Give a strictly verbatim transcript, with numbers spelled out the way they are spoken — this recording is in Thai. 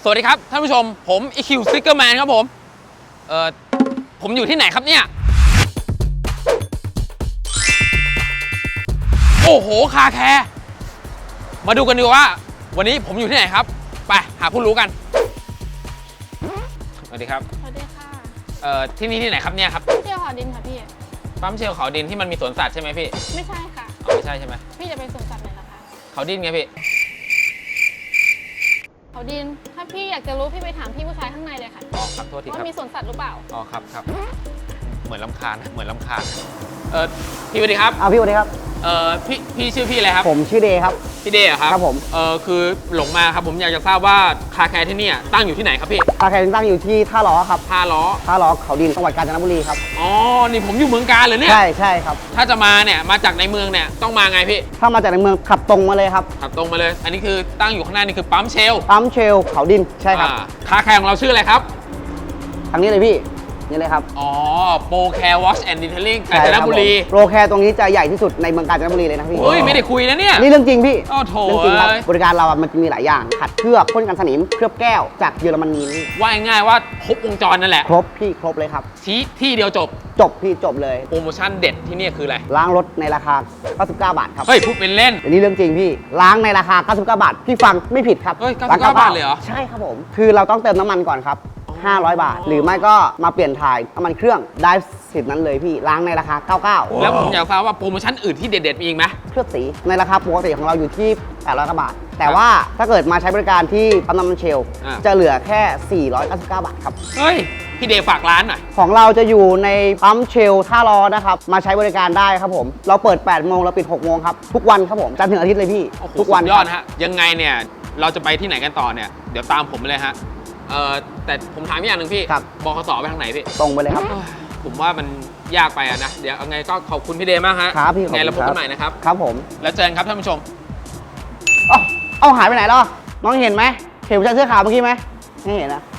วัสดีครับท่านผู้ชมผม อี คิว Sticker Man ครับผมเอ่อผมอยู่ที่ไหนครับเนี่ยโอ้โหคาแคร์มาดูกันดีกว่าวันนี้ผมอยู่ที่ไหนครับไปหาผู้รู้กันสวัสดีครับสวัสดีค่ะเอ่อที่นี่ที่ไหนครับเนี่ยครับเที่ยวหอดินค่ะพี่ปั๊มเชลเขาดินที่มันมีสวนสัตว์ใช่ไหมพี่ไม่ใช่ค่ะอ๋อไม่ใช่ใช่ไหมพี่จะไปสวนสัตว์ไหนล่ะคะเขาดินไงพี่เขาดินถ้าพี่อยากจะรู้พี่ไปถามพี่ผู้ชายข้างในเลยค่ะอ๋อครับโทษทีครับว่ามีสวนสัตว์หรือเปล่าอ๋อครับครับเหมือนลำคาญเหมือนลำคาญเออพี่สวัสดีครับอ้าวพี่สวัสดีครับเออพี่พี่ชื่อพี่อะไรครับผมชื่อเดย์ครับพี่เดย์ครับครับผมเออคือหลงมาครับผมอยากจะทราบว่าคาแคร์ที่นี่ตั้งอยู่ที่ไหนครับพี่คาแคร์ตั้งอยู่ที่ท่าล้อครับท่าล้อท่าล้อเขาดินจังหวัดกาญจนบุรีครับอ๋อนี่ผมอยู่เมืองกาญเลยเนี่ยใช่ใช่ครับถ้าจะมาเนี่ยมาจากในเมืองเนี่ยต้องมาไงพี่ถ้ามาจากในเมืองขับตรงมาเลยครับขับตรงมาเลยอันนี้คือตั้งอยู่ข้างหน้านี่คือปั๊มเชลปั๊มเชลเขาดินใช่ครับคาแคร์ของเราชื่ออะไรครับทางนี้เลยพี่นี่เลยครับอ๋อโปรแคร์วอชแอนด์ดีเทลลิ่งกาญจนบุรีโปรแคร์ตรงนี้จะใหญ่ที่สุดในเมืองกาญจนบุรีเลยนะพี่เฮ้ยไม่ได้คุยนะเนี่ยนี่เรื่องจริงพี่โอ้โถเรื่องจริงครับบริการเราอ่ะมันจะมีหลายอย่างขัดเคลือบพ่นกันสนิมเคลือบแก้วจากเยอรมนีว่าง่ายๆว่าครบวงจรนั่นแหละครบพี่ครบเลยครับที่ที่เดียวจบจบพี่จบเลยโปรโมชั่นเด็ดที่นี่คืออะไรล้างรถในราคาเก้าสิบเก้าบาทครับเฮ้ยพูดเป็นเล่นอันนี้เรื่องจริงพี่ล้างในราคาเก้าสิบเก้าบาทพี่ฟังไม่ผิดครับเฮ้ยเก้าสิบเก้าบาทเลยเหรอใช่ครับผมคือเราต้องเติมน้ำมันก่อนครับห้าร้อยบาทหรือไม่ก็มาเปลี่ยนถ่ายน้ำมันเครื่องได้สิทธิ์นั้นเลยพี่ล้างในราคาเก้าสิบเก้าแล้วผมอยากทราบว่าโปรโมชั่นอื่นที่เด็ดๆมีอีกไหมเคลือบสีในราคาปกติของเราอยู่ที่แปดร้อยกว่าบาทแต่ว่าถ้าเกิดมาใช้บริการที่ปั๊มน้ำมันเชลจะเหลือแค่สี่ร้อยเก้าสิบเก้าบาทครับเฮ้ยพี่เดย์ฝากร้านหน่อยของเราจะอยู่ในปั๊มเชลท่ารอนะครับมาใช้บริการได้ครับผมเราเปิดแปดโมงเราปิดหกโมงครับทุกวันครับผมจันทร์ถึงอาทิตย์เลยพี่ทุกวันยอดฮะยังไงเนี่ยเราจะไปที่ไหนกันต่อเนี่ยเดี๋ยวตามผมเลยฮะเออแต่ผมถามอย่างหนึ่งพี่บขสไปทางไหนพี่ตรงไปเลยครับผมว่ามันยากไปอะนะเดี๋ยวไงก็ขอบคุณพี่เดย์มากฮะครับพี่ไงเราพบกันใหม่นะครับครับผมแล้วเจอกันครับท่านผู้ชมอ๋อเอาหายไปไหนแล้วน้องเห็นไหมเห็นผู้ชายเสื้อขาวเมื่อกี้ไหมไม่เห็นนะ